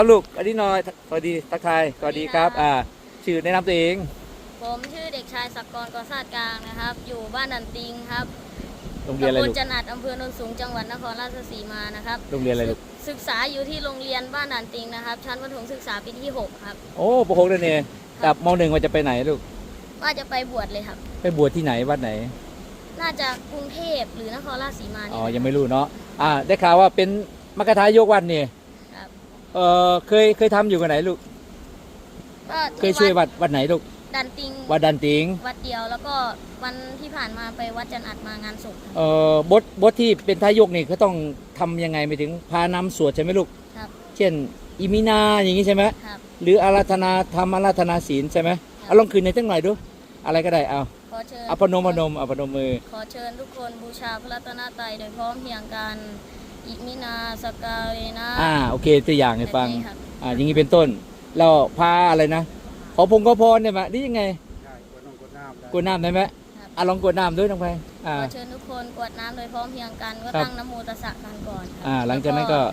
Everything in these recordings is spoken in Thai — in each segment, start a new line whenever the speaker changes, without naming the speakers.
ครับลูกอันนี้หน่อยสวัสดีทักทายสวัสดีครับชื่อแนะนำตัวเอง
ผมชื่อเด็กชายศักกรกอศาสตร์กลางนะครับอยู่บ้านดันติงครับ
โรงเรียนอะไรลูก
ตำบลจันอาจอำเภอโนนสูงจังหวัดนครราชสีมานะครับ
โรงเรียนอะไรลูก
ศึกษาอยู่ที่โรงเรียนบ้านดันติงนะครับชั้นประถมศึกษาปีที่6ครับ
โอ้ป .6 นั่นเองกับม .1 ว่าจะไปไหนลูก
ว่าจะไปบวชเลยครับ
ไปบวชที่ไหนวัดไหน
น่าจะกรุงเทพหรือนครราชสีมานี่
ยังไม่รู้เนาะได้ข่าวว่าเป็นมกทายกวัดนี่
ครับ
เคยทำอยู่กันไหนลูก
ก็
เคยช่วยวัดไหนลูก
ดันติง
วัดดันติง
วัดเดียวแล้วก็วันที่ผ่านมาไปวัดจันอาจมางานศพ
บทที่เป็นทายกนี่เขาต้องทำยังไงไปถึงพานำสวดใช่ไหมลูก
ครับ
เช่นอิมินาอย่างนี้ใช่ไหม
ครับ
หรืออาราธนาธรรมอาราธนาศีลใช่ไหมเอาลองคืนในตั้งหน่อยดูอะไรก็ได้
ขอเชิญ
เอาพนมพนมมือ
ขอเชิญทุกคนบูชาพระรัตนตรัยโดยพร้อมเพรียงกันอิมินาสกาเรนะ
โอเคตัวอย่างให้ฟังอย่างนี้เป็นต้นเราพาอะไรนะขอพงขอพรเนี่ยมานี่ยังไงกดน้ำได้ไหมลองกดน้ำด้วยน้องไป
ขอเชิญทุกคนกวดน้ำโดยพร้อมเพรียงกันก็ตั้งนะโมตัสสะกันก่อน
หลังจากนั้นก็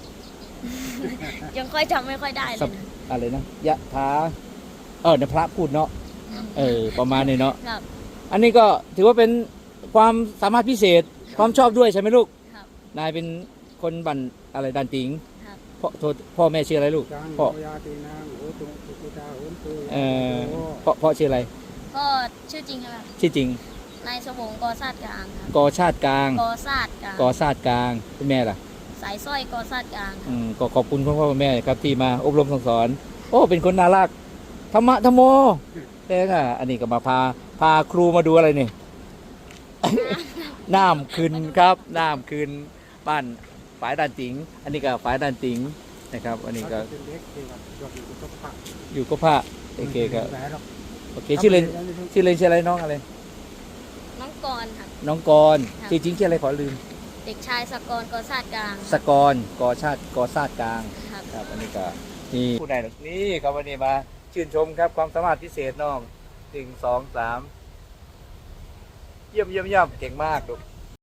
ยังค่อยจำไม่ค่อยได้เลยนะ
อะไรนะยะถาเนี่ยพระพูดเนาะประมาณนี้เนาะอันนี้ก็ถือว่าเป็นความสามารถพิเศษความชอบด้วยใช่ไหมลูกนายเป็นคนบันอะไรดันติงพ่อแม่ชื่ออะไรลูกพ่อพ่อชื่ออะไร
พ่อชื่อจริงใช่ไหม
ชื่อจริง
นายสวงกอศาสตร์กลาง
กอชาติกลาง
กอศาสตร์กลาง
กอชาติกลางเป็นแม่ล่ะ
สายสร้อยกอศาสตร์กลาง
ก็ขอบคุณพ่อแม่ครับที่มาอบรมสั่งสอนโอ้เป็นคนน่ารักธรรมะธรรมโมแต่อันนี้ก็มาพาครูมาดูอะไรนี่น้ำขึ้นครับน้ำขึ้นบ้านฝายดันติงอันนี้ก็ฝายดันติงนะครับอันนี้ก็อยู่ก็พระโอเคก็โอเคชื่อเล่นชื่ออะไรน้องอะไร
น้องกรครับ
น้องกรจริงชื่ออะไรขอลืม
เด็กชายศักกรกอศาสตร์กลาง
ศักกรกอชาติกอศาสตร์กลางครับอันนี้ก็นี่ผู้ใดนี่ครับวันนี้มาชื่นชมครับความสามารถพิเศษน้อง1 2 3เยี่ยมเก่งมากลูก